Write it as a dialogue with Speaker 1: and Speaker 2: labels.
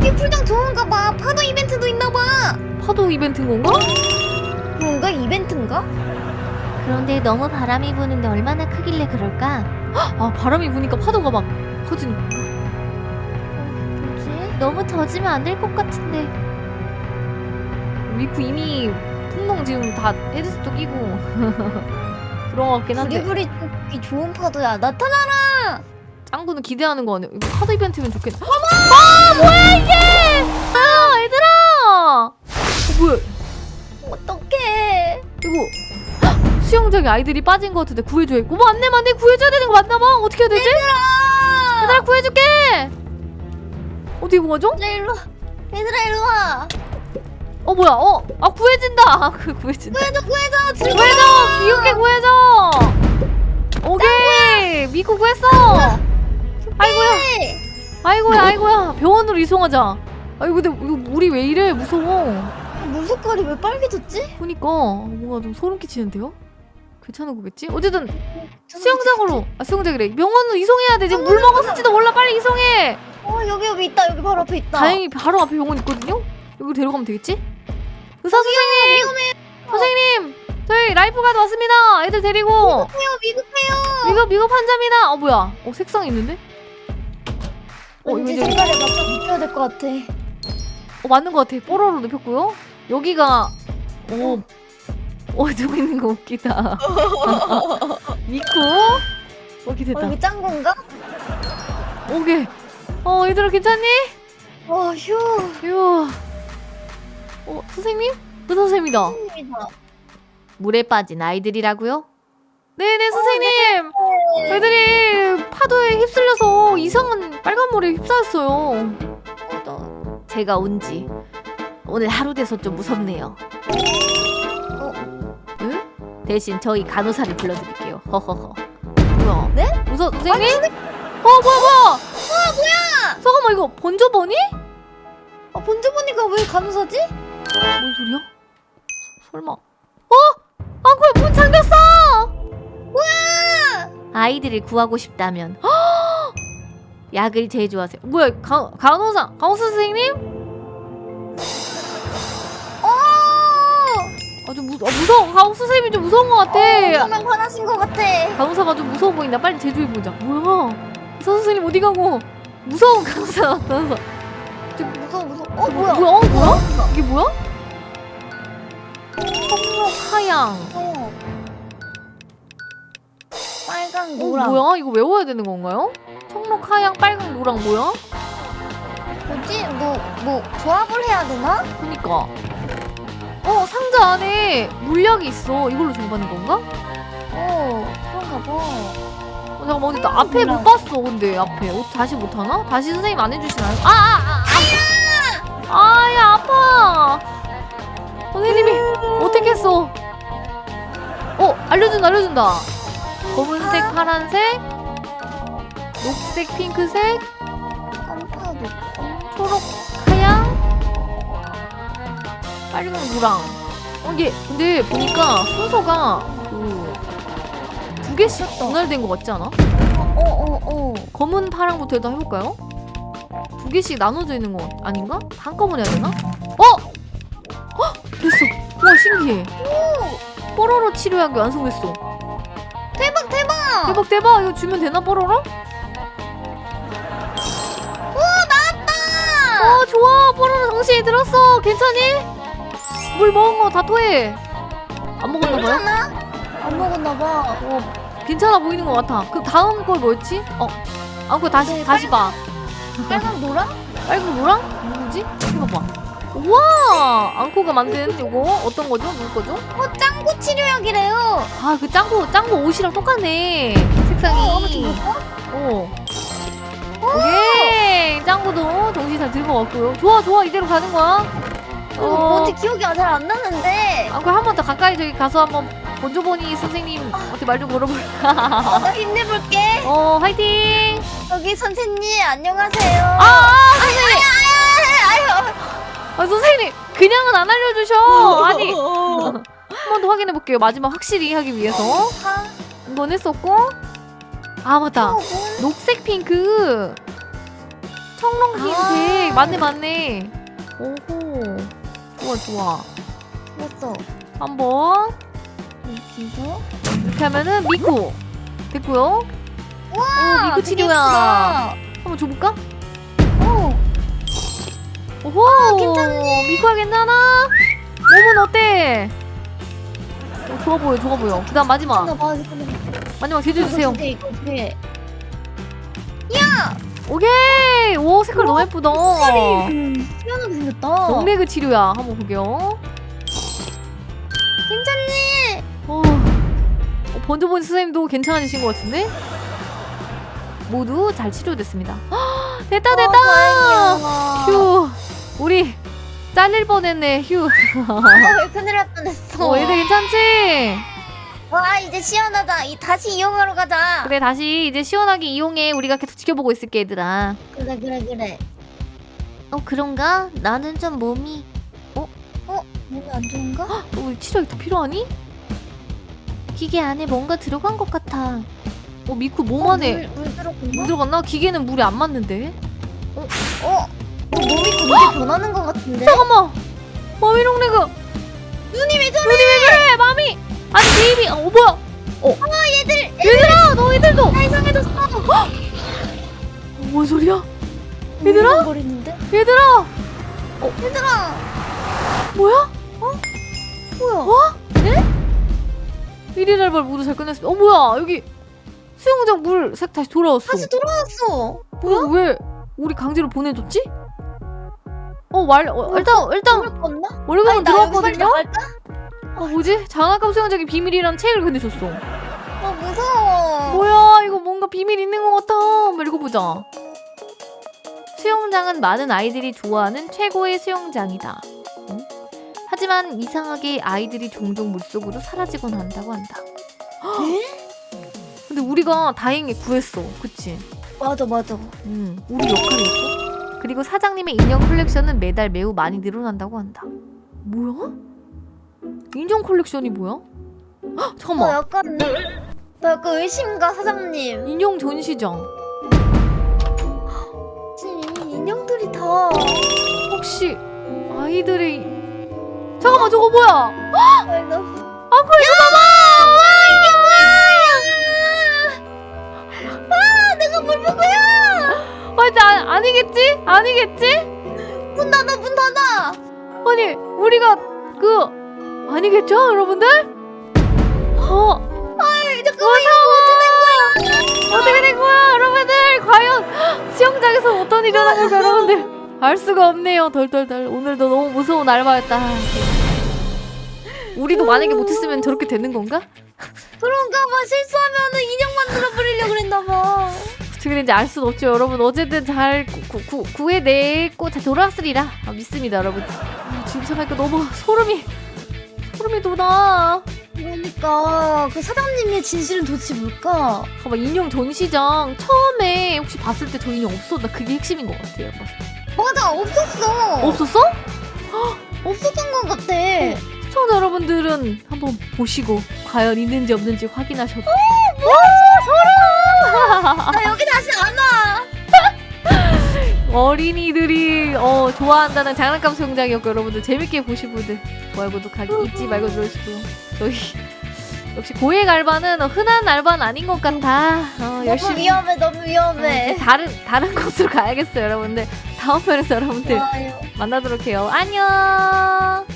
Speaker 1: 여기 풀장 좋은가 봐. 파도 이벤트도 있나 봐.
Speaker 2: 파도 이벤트인 건가?
Speaker 1: 뭔가 이벤트인가?
Speaker 3: 그런데 너무 바람이 부는데 얼마나 크길래 그럴까?
Speaker 2: 아 바람이 부니까 파도가 막 커지니.
Speaker 1: 뭐지?
Speaker 3: 너무 젖으면 안 될 것 같은데.
Speaker 2: 미쿠 이미 풍덩 지금 다 헤드셋도 끼고 그런 것 같긴 한데
Speaker 1: 부리부리 쫓기 좋은 파도야. 나타나라.
Speaker 2: 짱구는 기대하는 거 아니야? 이거 파도 이벤트면 좋겠네. 아 뭐야 이게! 아 얘들아! 뭐야
Speaker 1: 어떡해.
Speaker 2: 이거 헉, 수영장에 아이들이 빠진 것 같은데 구해줘야. 어머 안내 구해줘야 되는 거 맞나봐. 어떻게 해야 되지? 얘들아 구해줄게. 어떻게 구하죠?
Speaker 1: 얘들아 일로 와. 얘들아 일로 와.
Speaker 2: 어 뭐야? 아 구해진다. 그 구해진다.
Speaker 1: 구해줘. 들고
Speaker 2: 구해줘! 귀엽게 구해줘! 오케이! 미쿠 구했어! 아이고야 병원으로 이송하자. 아이고 근데 이거 물이 왜 이래 무서워.
Speaker 1: 물 색깔이 왜 빨개졌지?
Speaker 2: 그니까 뭔가 좀 소름 끼치는데요? 괜찮은 거겠지? 어쨌든 수영장이래. 병원으로 이송해야 돼. 지금 물 먹었을지도 몰라. 빨리 이송해!
Speaker 1: 여기 있다. 여기 바로 앞에 있다.
Speaker 2: 다행히 바로 앞에 병원 있거든요? 여기로 데려가면 되겠지? 의사 선생님! 저희 라이프가드 왔습니다. 애들 데리고.
Speaker 1: 미급해요.
Speaker 2: 미급 환자입니다. 뭐야? 색상이 있는데? 이거
Speaker 1: 왠지
Speaker 2: 이제
Speaker 1: 색깔에 맞춰 눕혀야 될 것 같아.
Speaker 2: 맞는 것 같아. 뽀로로 눕혔고요. 여기가 저거 있는 거 웃기다. 미쿠. 오케이 됐다.
Speaker 1: 여기 짱구인가?
Speaker 2: 오케이. 얘들아 괜찮니?
Speaker 1: 휴.
Speaker 2: 휴. 선생님? 의사 선생님이다.
Speaker 1: 선생님이다.
Speaker 3: 물에 빠진 아이들이라고요?
Speaker 2: 네네 선생님. 애들이 파도에 휩쓸려서 이상한 빨간 물에 휩싸였어요.
Speaker 3: 제가 온지 오늘 하루 돼서 좀 무섭네요. 대신 저희 간호사를 불러드릴게요. 허허허.
Speaker 2: 뭐야?
Speaker 1: 네?
Speaker 2: 의사 선생님? 뭐야? 잠깐만 이거 번져보니?
Speaker 1: 본주보니까 왜 간호사지?
Speaker 2: 뭔 소리야? 설마? 안구야 문 잠겼어!
Speaker 3: 아이들을 구하고 싶다면 약을 제조하세요.
Speaker 2: 뭐야 간호사 선생님? 좀 무서워. 간호사 선생님이 좀 무서운 것 같아.
Speaker 1: 정말 화나신 것 같아.
Speaker 2: 간호사가 좀 무서워 보인다. 빨리 제조해보자. 뭐야? 의사 선생님 어디 가고? 무서운 간호사 나타나서.
Speaker 1: 무서워. 뭐야?
Speaker 2: 뭐야? 이게 뭐야? 청록 하양.
Speaker 1: 빨강 노랑.
Speaker 2: 뭐야? 이거 외워야 되는 건가요? 청록 하양 빨강 노랑 뭐야?
Speaker 1: 뭐지? 뭐 조합을 해야 되나?
Speaker 2: 그니까. 상자 안에 물약이 있어. 이걸로 준비하는 건가?
Speaker 1: 그런가 봐.
Speaker 2: 잠깐만 근데 나 앞에 못 봤어. 근데 앞에 다시 못하나? 다시 선생님 안 해주시나요? 아야 아파. 선생님이 어떻게 했어? 알려준다. 검은색, 파란색, 녹색, 핑크색,
Speaker 1: 깜파도.
Speaker 2: 초록, 하양, 빨강, 노랑. 이게 근데 보니까 순서가 두 개씩 분할된 것 같지 않아? 검은, 파랑부터 일단 해볼까요? 두 개씩 나눠져 있는 거 아닌가? 한꺼번에 해야 되나? 됐어. 와 신기해. 뽀로로 치료약이 완성됐어. 대박. 이거 주면 되나 뽀로로? 나왔다. 좋아. 뽀로로 정신이 들었어. 괜찮니? 물 먹은 거 다 토해. 안 먹었나 봐요?
Speaker 1: 안 먹었나 봐.
Speaker 2: 괜찮아 보이는 것 같아. 그 다음 걸 뭐였지? 안고 다시 봐.
Speaker 1: 빨강 노랑?
Speaker 2: 빨간 노랑? 누구지? 해봐봐. 우와! 앙코가 만든 요거 어떤 거죠? 누구 거죠?
Speaker 1: 짱구 치료약이래요.
Speaker 2: 그 짱구 옷이랑 똑같네. 색상이. 오케이! 짱구도 정신 잘 들고 왔고요. 좋아. 이대로 가는 거야.
Speaker 1: 뭔지 기억이 잘 안 나는데.
Speaker 2: 앙코 한 번 더 가까이 저기 가서 한번 본조보니 선생님 어떻게 말 좀 걸어볼까?
Speaker 1: 나 힘내볼게.
Speaker 2: 화이팅!
Speaker 1: 여기 선생님 안녕하세요.
Speaker 2: 선생님! 선생님! 그냥은 안 알려주셔! 아니! 한 번 더 확인해볼게요. 마지막 확실히 하기 위해서. 이건 했었고. 맞다. 녹색 핑크. 청록흰색. 맞네. 오호. 좋아.
Speaker 1: 됐어.
Speaker 2: 한번
Speaker 1: 여기서.
Speaker 2: 이렇게 하면은 미쿠 됐고요.
Speaker 1: 와,
Speaker 2: 미쿠
Speaker 1: 되게
Speaker 2: 치료야.
Speaker 1: 예쁘다.
Speaker 2: 한번 줘볼까?
Speaker 1: 어.
Speaker 2: 오호.
Speaker 1: 괜찮네.
Speaker 2: 미쿠야 괜찮아? 몸은 어때? 좋아 보여. 그다음 마지막 제주주세요.
Speaker 1: 이거 두 개.
Speaker 2: 오케이. 오 색깔 너무 예쁘다.
Speaker 1: 시원하게 생겼다.
Speaker 2: 용매그 치료야. 한번 볼게요.
Speaker 1: 괜찮니?
Speaker 2: 번져본 선생님도 괜찮아지신 것 같은데? 모두 잘 치료됐습니다. 됐다.
Speaker 1: 다행이야.
Speaker 2: 휴. 우리 잘릴 뻔했네. 휴.
Speaker 1: 왜 큰일 날 뻔했어.
Speaker 2: 얘들 괜찮지?
Speaker 1: 와, 이제 시원하다. 다시 이용하러 가자.
Speaker 2: 그래 다시 이제 시원하게 이용해. 우리가 계속 지켜보고 있을게 얘들아.
Speaker 1: 그래.
Speaker 3: 그런가? 나는 좀 몸이
Speaker 1: 몸이 안 좋은가?
Speaker 2: 우리 치료약이 더 필요하니?
Speaker 3: 기계 안에 뭔가 들어간 것 같아.
Speaker 2: 미쿠 몸 안에
Speaker 1: 물
Speaker 2: 물
Speaker 1: 들어갔나?
Speaker 2: 들어갔나? 기계는 물이 안 맞는데?
Speaker 1: 몸이 그렇게 변하는 것 같은데?
Speaker 2: 잠깐만! 마미롱레그!
Speaker 1: 눈이 왜 저래?
Speaker 2: 눈이 왜 그래! 마미! 아니 베이비! 뭐야! 얘들아! 너희들도!
Speaker 1: 다 이상해졌어.
Speaker 2: 뭔 소리야? 얘들아?
Speaker 1: 거리는데?
Speaker 2: 얘들아!
Speaker 1: 얘들아.
Speaker 2: 뭐야?
Speaker 1: 뭐야?
Speaker 2: 1일 알바를 모두 잘 끝냈어. 뭐야! 여기 수영장 물 색 다시 돌아왔어.
Speaker 1: 다시 돌아왔어.
Speaker 2: 뭐야? 왜 우리 강제로 보내줬지? 일단
Speaker 1: 물 껐나?
Speaker 2: 월급은
Speaker 1: 나 여기 살짝
Speaker 2: 들어왔거든요?
Speaker 1: 갈까?
Speaker 2: 뭐지? 장난감 수영장의 비밀이란 책을 건네줬어.
Speaker 1: 무서워.
Speaker 2: 뭐야 이거 뭔가 비밀 있는 것 같아. 한번 읽어보자. 수영장은 많은 아이들이 좋아하는 최고의 수영장이다. 응? 하지만 이상하게 아이들이 종종 물속으로 사라지곤 한다고 한다. 근데 우리가 다행히 구했어. 그치?
Speaker 1: 맞아.
Speaker 2: 우리 역할이었어. 그리고 사장님의 인형 컬렉션은 매달 매우 많이 늘어난다고 한다. 뭐야? 인형 컬렉션이 뭐야? 헉, 잠깐만.
Speaker 1: 나 약간 의심가 사장님.
Speaker 2: 인형 전시장.
Speaker 1: 지금 이 인형들이 다.
Speaker 2: 혹시 아이들이 잠깐만 저거 뭐야?
Speaker 1: 아이, 나.
Speaker 2: 이거
Speaker 1: 내가 뭘 먹어요?
Speaker 2: 봐봐! 아니겠지?
Speaker 1: 문 닫아.
Speaker 2: 아니 우리가 아니겠죠 여러분들?
Speaker 1: 잠깐만 이거
Speaker 2: 어떻게 된 거야 여러분들? 과연 수영장에서 어떤 일이 일어난 걸까 여러분들? 알 수가 없네요. 덜덜덜. 오늘도 너무 무서운 알바였다. 우리도 만약에 못했으면 저렇게 되는 건가?
Speaker 1: 그런가 봐. 실수하면은 인형 만들어 버리려고 그랬나 봐.
Speaker 2: 어떻게 된지 알 수는 없죠 여러분. 어쨌든 잘 구해냈고 잘 돌아왔으리라 믿습니다 여러분. 지금 생각하니까 너무 소름이 돋아.
Speaker 1: 그러니까 그 사장님의 진실은 도대체 뭘까?
Speaker 2: 봐봐 인형 전시장 처음에 혹시 봤을 때 저 인형 없었나? 그게 핵심인 것 같아요.
Speaker 1: 맞아, 없었어.
Speaker 2: 없었어?
Speaker 1: 없었던 것 같아.
Speaker 2: 시청자 여러분들은 한번 보시고 과연 있는지 없는지 확인하셔도.
Speaker 1: 나 여기 다시 안 와.
Speaker 2: 어린이들이 좋아한다는 장난감 수영장이었고 여러분들 재밌게 보신 분들 좋아요 구독하기 잊지 말고 눌러주시고 저희 역시 고액 알바는 흔한 알바는 아닌 것 같아. 열심히
Speaker 1: 너무 위험해.
Speaker 2: 다른 곳으로 가야겠어요 여러분들. 다음 편에서 여러분들
Speaker 1: 좋아요.
Speaker 2: 만나도록 해요. 안녕.